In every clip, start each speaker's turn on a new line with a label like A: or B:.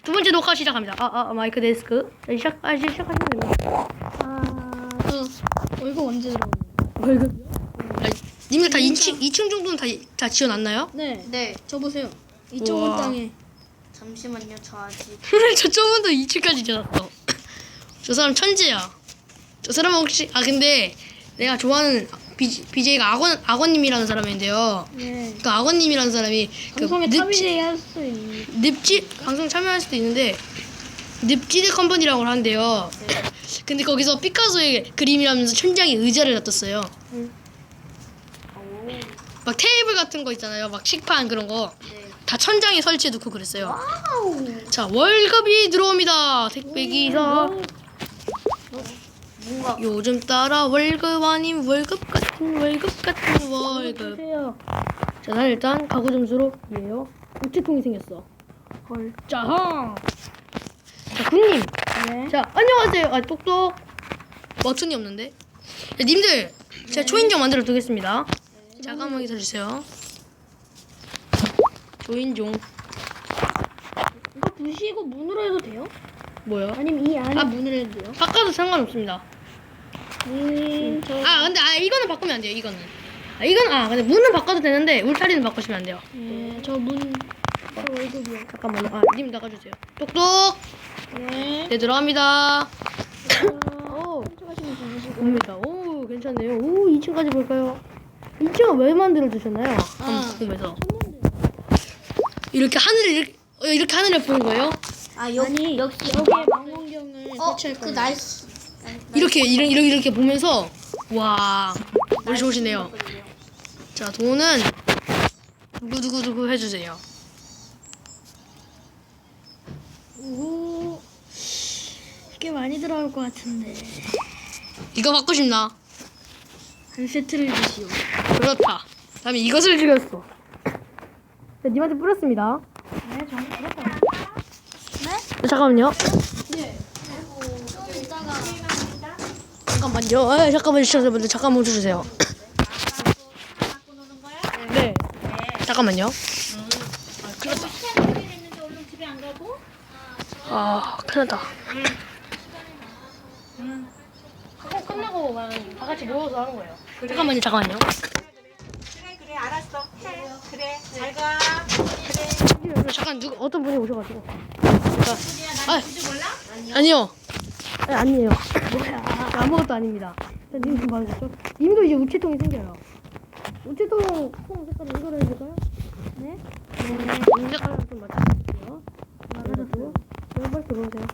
A: 두 번째 녹화 시작합니다. 마이크 데스크. 시작하시면 됩니다.
B: 월급 언제 들어오는
A: 월급? 님들 다 2층 정도는 다 지어놨나요?
B: 네. 저 보세요.
A: 우와.
B: 이쪽은 땅에.
C: 잠시만요, 저 아직.
A: 저쪽은 2층까지 지어놨어. 저 사람 천재야. 저 사람은 혹시 근데 내가 좋아하는 BJ가 악원님이라는 사람인데요.
B: 네.
A: 그 악원님이라는 사람이
B: 방송에 탑이제 할 수 있는.
A: 늪지 방송 참여할 수도 있는데 늪지대 컴퍼니라고 하는데요. 근데 거기서 피카소의 그림이라면서 천장에 의자를 놔뒀어요. 막 테이블 같은 거 있잖아요. 막 식판 그런 거.
C: 네.
A: 다 천장에 설치해 놓고 그랬어요.
B: 와우.
A: 자, 월급이 들어옵니다. 택배기사.
C: 뭔가
A: 요즘 따라 월급 아닌 월급 같은 월급.
B: 보세요.
A: 자, 난 일단 가구 점수로 이에요. 우체통이 생겼어.
B: 헐.
A: 자, 군님.
B: 네.
A: 자, 안녕하세요. 똑똑. 버튼이 없는데. 자, 님들, 제가 초인종 만들어 두겠습니다. 잠깐만 기다려주세요. 초인종.
B: 이거 부시고 문으로 해도 돼요?
A: 뭐요?
B: 아니면 이 안에 문으로 해도 돼요?
A: 바꿔도 상관없습니다.
B: 근데
A: 이거는 바꾸면 안 돼요. 이거는. 근데 문은 바꿔도 되는데 울타리는 바꾸시면 안 돼요.
B: 네. 저 월급이요.
A: 잠깐만요. 님 나가주세요. 똑똑.
B: 네.
A: 네, 들어갑니다.
B: 깜짝하시면 되시고.
A: 옵니다. 오, 괜찮네요. 오, 2층까지 볼까요? 2층은 왜 만들어 주셨나요? 궁금해서. 이렇게 하늘을 보는 거예요?
B: 아니
C: 역시
B: 여기에 망원경을 설치할
C: 그
B: 거예요.
C: 나이스.
A: 이렇게 보면서 와, 머리 좋으시네요. 자, 돈은 누구 해주세요.
B: 오. 꽤 많이 들어올 것 같은데.
A: 이거 받고 싶나?
B: 한 세트를 주시오.
A: 그렇다. 다음에 이것을 죽였어. 자, 님한테 뿌렸습니다.
B: 네, 저는 그렇다.
A: 네, 잠깐만요.
B: 네.
A: 잠깐만요. 잠깐 멈춰주세요. 네. 잠깐만요. 큰일 났다. 끝나고 다 같이 모여서 하는 거예요. 잠깐만요.
D: 그래 알았어 그래 잘 가.
A: 잠깐 어떤 분이 오셔가지고. 아니요. 아니에요. 뭐야? 아무것도 아닙니다. 님 좀 봐주시죠. 님도 이제 우체통이 생겨요. 우체통 통 색깔 이거로 해줄까요? 네. 님 색깔을 좀 맞춰주세요. 맞아주세요. 빨리 들어오세요.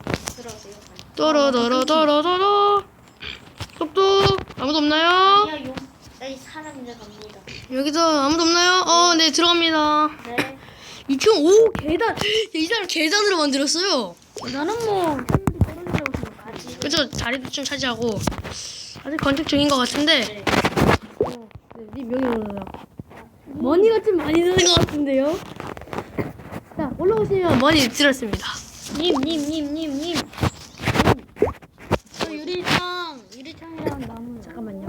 A: 또로또로또로또로. 똑똑. 아무도 없나요?
C: 이 사람들 갑니다.
A: 여기서 아무도 없나요? 네, 들어갑니다.
C: 네.
A: 2층, 오, 계단! 이 사람 계단으로 만들었어요.
B: 나는 뭐
A: 그죠? 자리도 좀 차지하고. 아직 건축 중인 것 같은데. 님 여기 올라요. 머니가 좀 많이 드는 것 같은데요? 자, 올라오시면 머니 들었습니다.
B: 님. 저 유리창이랑 나무.
A: 잠깐만요.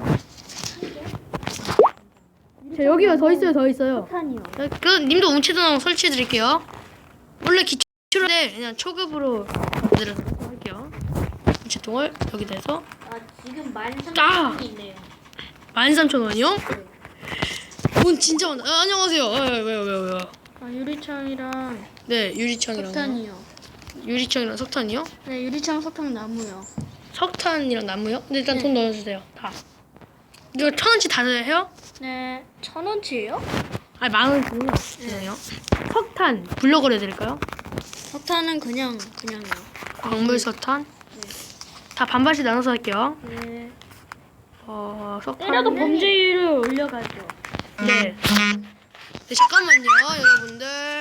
A: 자, 여기가 더 있어요.
B: 탄이요.
A: 그, 님도 우체통 설치해 드릴게요. 원래 기초인데, 그냥 초급으로 만들어서 할게요. 우체통을 여기다 해서.
C: 지금 13,000원이
A: 아!
C: 있네요.
A: 13,000원이요? 돈 진짜 많다. 안녕하세요. 왜요?
B: 유리창이랑
A: 네, 유리창이랑.
B: 석탄이요.
A: 유리창이랑 석탄이요?
B: 네, 유리창, 석탄, 나무요.
A: 석탄이랑 나무요? 근데 일단
B: 네.
A: 돈 넣어주세요. 다. 이거 1,000원치 다 해요?
B: 네, 1,000원치예요?
A: 아니, 10,000원치요. 죄송해요. 석탄, 블럭으로 해드릴까요?
B: 석탄은 그냥이요.
A: 광물 석탄. 다 반반씩 나눠서 할게요.
B: 네.
A: 석탄.
B: 때려도 범죄율을 올려가죠.
A: 네. 네, 잠깐만요, 여러분들.